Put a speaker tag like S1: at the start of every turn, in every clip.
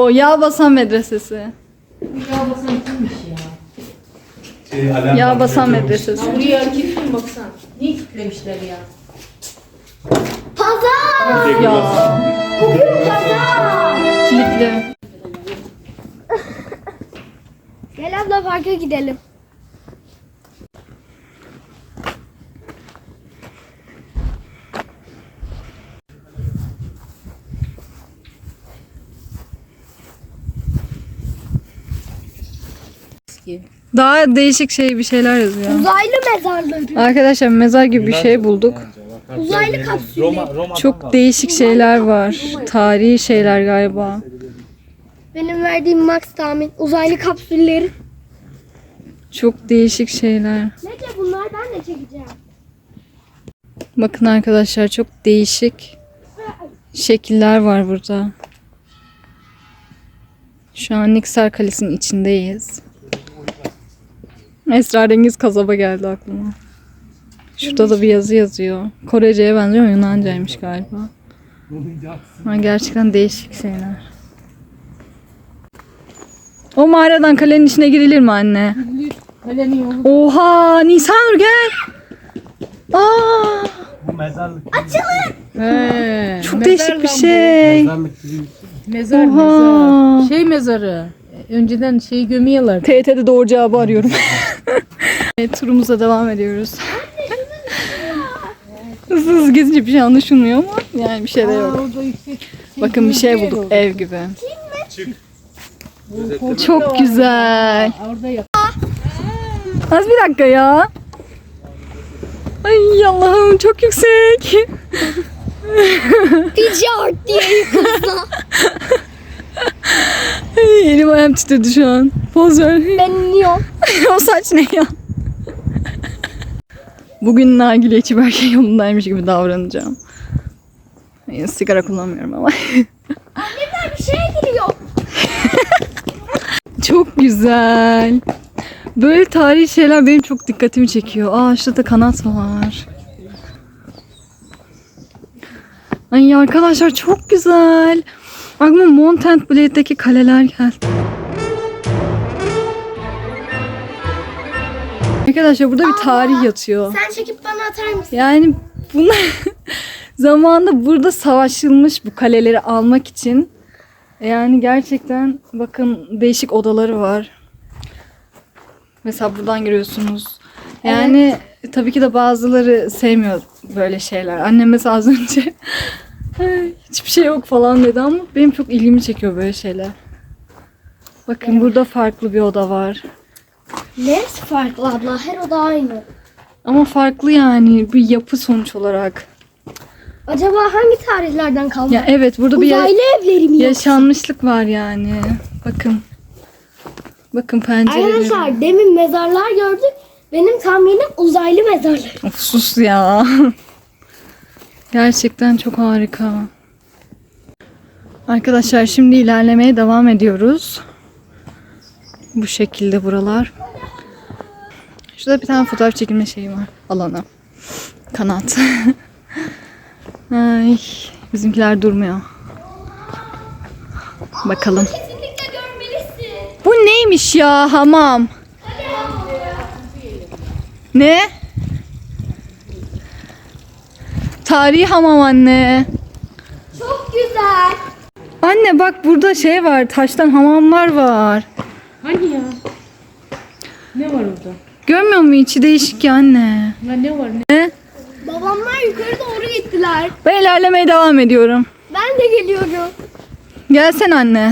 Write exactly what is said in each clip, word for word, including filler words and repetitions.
S1: Oo, Yağbasan Medresesi.
S2: Yağbasan kimmiş ya?
S3: Şey, alarm
S1: Yağbasan
S3: var.
S1: Medresesi.
S2: Buraya kilitli baksana. Niye kilitlemişler ya?
S4: Pazar.
S1: Ya.
S4: Bugün pazar.
S1: Kilitli.
S4: Gel abla parka gidelim.
S1: Daha değişik şey bir şeyler yazıyor.
S4: Uzaylı mezarları.
S1: Arkadaşlar mezar gibi bir şey bulduk.
S4: Uzaylı kapsülleri.
S3: Roma, Roma'dan
S1: Çok
S3: var.
S1: değişik şeyler var. Tarihi şeyler galiba.
S4: Benim verdiğim max tahmin. Uzaylı kapsülleri.
S1: Çok değişik şeyler.
S4: Nece bunlar ben de çekeceğim.
S1: Bakın arkadaşlar çok değişik şekiller var burada. Şu an Niksar Kalesi'nin içindeyiz. Esrarengiz kasaba geldi aklıma. Şurada da bir yazı yazıyor. Korece'ye benziyor ama Yunancaymış galiba. Ha, gerçekten değişik şeyler. O mağaradan kalenin içine girilir mi anne?
S2: Kalenin yolu.
S1: Oha! Nisanur gel! Aa!
S3: Bu mezarlık.
S2: He,
S1: Çok
S2: mezar
S1: değişik bir
S2: lan bu.
S1: şey.
S3: Mezarlık gibi.
S2: Mezar
S1: Oha.
S2: mezar. Şey mezarı. Önceden şey gömüyorlar.
S1: T T'de doğru cevabı arıyorum. Evet, turumuza devam ediyoruz. Hızlı hızlı gezince bir şey anlaşılmıyor ama yani bir şey de yok.
S2: Orada yüksek.
S1: Bakın bir şey bulduk ev gibi. Çok güzel.
S2: Orada yap.
S1: Az bir dakika ya. Ay Allah'ım çok yüksek.
S4: Pijart diye yıkılsa.
S1: Ay, elim ayağım titredi şu an. Poz ver.
S4: Ben iniyorum.
S1: O saç ne ya? Bugün nargile içip her şey yolundaymış gibi davranacağım. Yani sigara kullanmıyorum ama.
S4: Annemler bir şeye giriyor.
S1: Çok güzel. Böyle tarihi şeyler benim çok dikkatimi çekiyor. Aa şurada kanat var. Ay arkadaşlar çok güzel. Aklıma Mountain Blade'deki kaleler geldi. Arkadaşlar burada bir tarih yatıyor.
S4: Sen çekip bana atar mısın?
S1: Yani bunlar zamanında burada savaşılmış bu kaleleri almak için. Yani gerçekten bakın değişik odaları var. Mesela buradan giriyorsunuz. Yani tabii ki de bazıları sevmiyor böyle şeyler. Annem mesela az önce hiçbir şey yok falan dedi ama benim çok ilgimi çekiyor böyle şeyler. Bakın burada farklı bir oda var.
S4: Neresi farklı abla? Her oda aynı.
S1: Ama farklı yani bir yapı sonuç olarak.
S4: Acaba hangi tarihlerden kaldı?
S1: Ya evet burada bir ya-
S4: Uzaylı evleri mi yoksa?
S1: yaşanmışlık var yani. Bakın. Bakın pencereleri.
S4: Arkadaşlar demin mezarlar gördük. Benim tahminim uzaylı mezarlar.
S1: Of sus ya. Gerçekten çok harika. Arkadaşlar şimdi ilerlemeye devam ediyoruz. Bu şekilde buralar. Şurada bir tane fotoğraf çekilme şeyi var. Alanı. Kanat. Ay, bizimkiler durmuyor. Bakalım.
S4: Kesinlikle görmelisin.
S1: Bu neymiş ya hamam? Ne? Tarihi hamam anne.
S4: Çok güzel.
S1: Anne bak burada şey var, taştan hamamlar var.
S2: Hani ya? Ne var orada?
S1: Görmüyor musun? İçi değişik ya anne.
S2: Ya ne var ne?
S1: Ne?
S4: Babamlar yukarı doğru gittiler.
S1: Ben ilerlemeye devam ediyorum.
S4: Ben de geliyorum.
S1: Gelsen anne.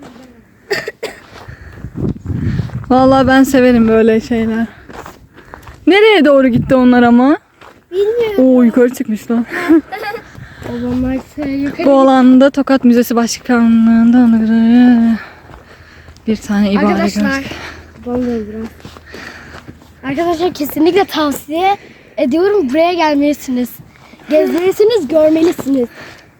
S1: Vallahi ben severim böyle şeyler. Nereye doğru gitti onlar ama?
S4: Bilmiyorum.
S1: Oo yukarı çıkmışlar.
S4: Babamlar yukarı
S1: Bu alanda Tokat Müzesi Başkanlığı'nda bir tane ibare
S4: Arkadaşlar.
S1: gördük.
S4: Babam da biraz. Arkadaşlar kesinlikle tavsiye ediyorum. Buraya gelmelisiniz. Gezmelisiniz, görmelisiniz.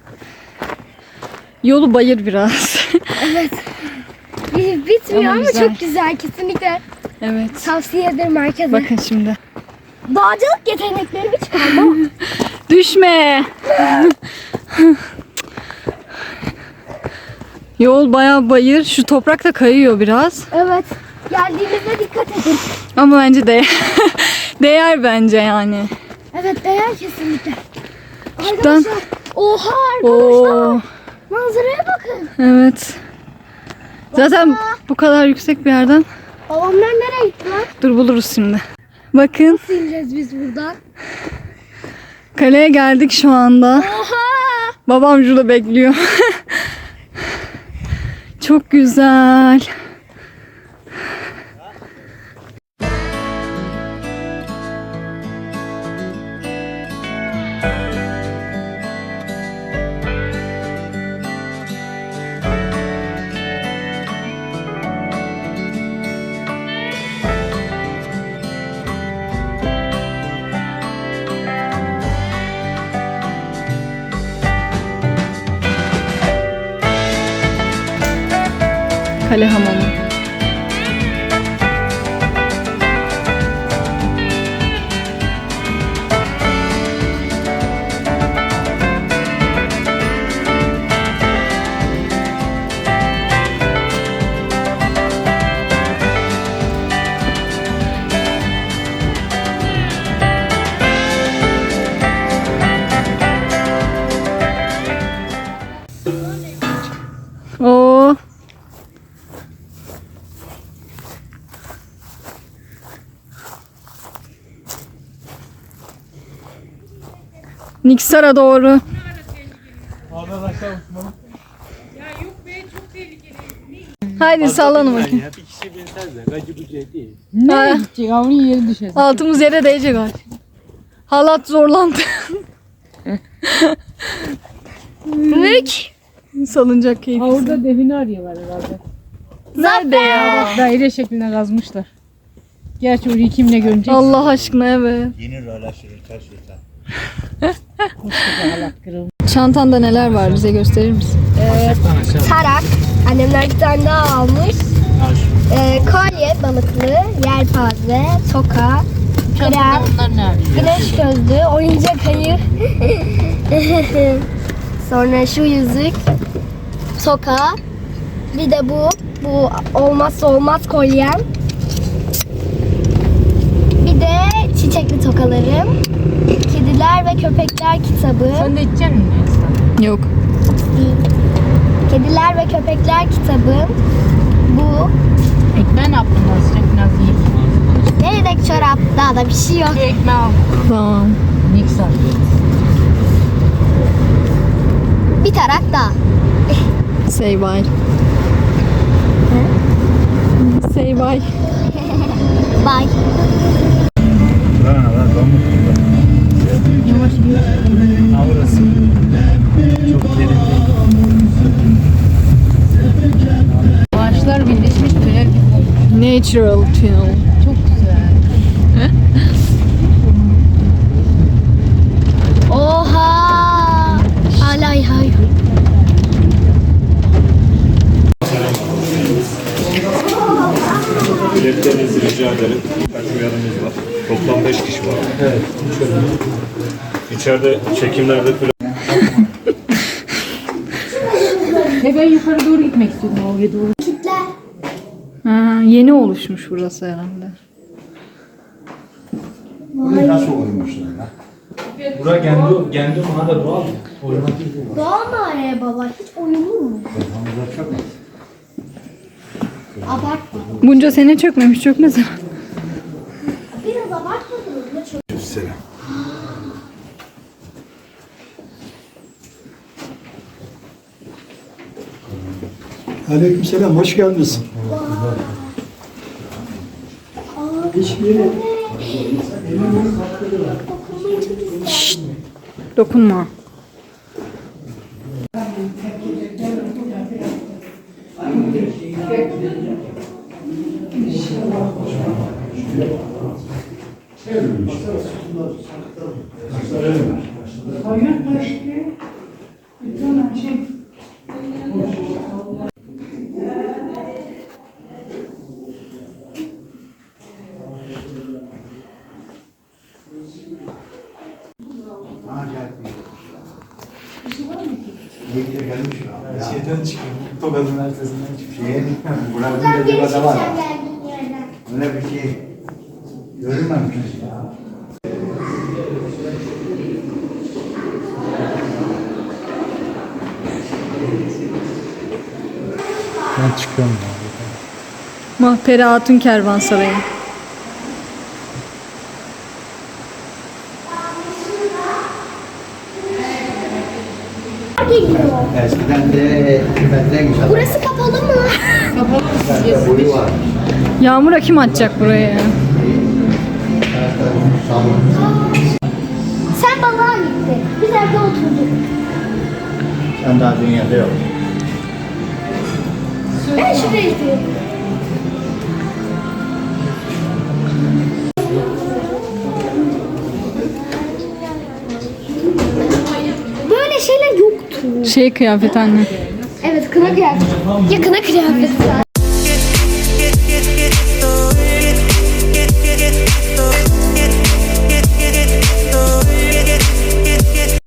S1: Yolu bayır biraz.
S4: Evet. Bir- Bitmiyor
S1: Ama
S4: ama,
S1: güzel.
S4: çok güzel. Kesinlikle
S1: Evet.
S4: tavsiye ederim herkese.
S1: Bakın şimdi.
S4: Dağcılık yeteneklerimi çıkarma.
S1: Düşme. Yol bayağı bayır. Şu toprak da kayıyor biraz.
S4: Evet. Geldiğimizde dikkat edin.
S1: Ama bence değer. Değer bence yani.
S4: Evet değer kesinlikle.
S1: Şuradan.
S4: Arkadaşlar. Oha arkadaşlar.
S1: Oo,
S4: Manzaraya bakın.
S1: evet. Zaten bu kadar yüksek bir yerden.
S4: Babamlar nereye gitti lan?
S1: Dur buluruz şimdi. Bakın
S4: Nasıl ineceğiz biz buradan?
S1: kaleye geldik şu anda.
S4: Oha.
S1: Babam şurada bekliyor. Çok güzel. Kale hamamı. Oo. Niksar'a doğru.
S3: Oradan aşağı uçmalı.
S1: Haydi sallanın bakayım.
S3: Ya bir kişi binser de gacı bucu değil.
S2: Nereye gidecek? Avni yeri düşer.
S1: Altımız yere değecek artık. Halat zorlandı.
S4: Mülk.
S1: Salıncak
S2: Ha,
S1: keyif.
S2: orada define arıyorlar herhalde.
S1: Nerede ya?
S2: Daire şekline kazmışlar. Gerçi orayı kimle görecek?
S1: Allah aşkına evet.
S5: Yeni rölaşları taş yeter.
S2: Allah kırılmış.
S1: Çantanda neler var bize gösterir misin?
S4: Tarak. Annemler bir tane daha almış. Ee, kolye balıklı, yelpaze, toka, krem,
S2: Onlar ne arıyor?
S4: güneş gözlüğü, oyuncak ayı. Sonra şu yüzük, toka. Bir de bu. Bu olmazsa olmaz kolyem. Bir de çiçekli tokalarım. Kediler ve köpekler kitabı.
S2: Sen de içecek misin?
S1: Yok.
S4: Kediler ve köpekler kitabım. Bu.
S2: Ekmeği ne yaptın? Az sıcak biraz yiyeyim.
S4: Neredeki çorap? Daha da bir şey yok.
S2: Bir ekmeği al.
S1: Tamam.
S2: Mikser.
S4: Bir tarak daha.
S1: Say bye. Say bye.
S4: Bye.
S5: Buranın kadar pamuk burada.
S2: Yavaş gidiyor.
S3: Avrası. Çok derin değil.
S2: Ağaçlar birleşmiş tünel gibi olmuş.
S1: Natural tunnel.
S2: Çok güzel.
S4: Oha! Alay hay.
S5: Biletlerinizi rica ederim. Kaç uyarımız var. Toplam beş kişi var.
S3: Evet.
S5: İçeride çekimlerde falan.
S2: Ve ben yukarı doğru gitmek istiyordum oraya doğru.
S4: Kitler.
S1: Ha, yeni oluşmuş burası herhalde.
S5: Nasıl olmuşlar ya?
S3: Bura kendi, kendi mağara doğal mı? Oynamak değil mi?
S4: Doğal mağaraya baba. Hiç oyunur mu?
S5: Hamza çok az.
S4: Abartma.
S1: Bunca sene çökmemiş, çökmez.
S4: Biraz abartmadınız mı? Çok
S5: Selam.
S6: Aleykümselam, hoş geldiniz.
S1: Dokunma.
S3: Şeyden çıkıyor. Tokat'ın ertesinden çıkıyor.
S6: Şey, buranın bir civada var. Öyle bir şey görülmemiş ya.
S3: Ben çıkıyorum ya.
S1: Mahperi Hatun Kervansarayı.
S4: Geliyor.
S6: Eskiden de hükümetten güzel.
S4: Burası kapalı mı?
S6: Boyu var.
S1: Yağmur'a kim atacak buraya ya?
S4: Sen balığa gittin. Biz evde oturduk.
S6: Sen daha dünyada yok.
S4: Ben şuraya gidiyorum. Böyle şeyler yoktu.
S1: Şey kıyafet anne.
S4: Evet, kına kıyafeti. Ya kına kıyafeti.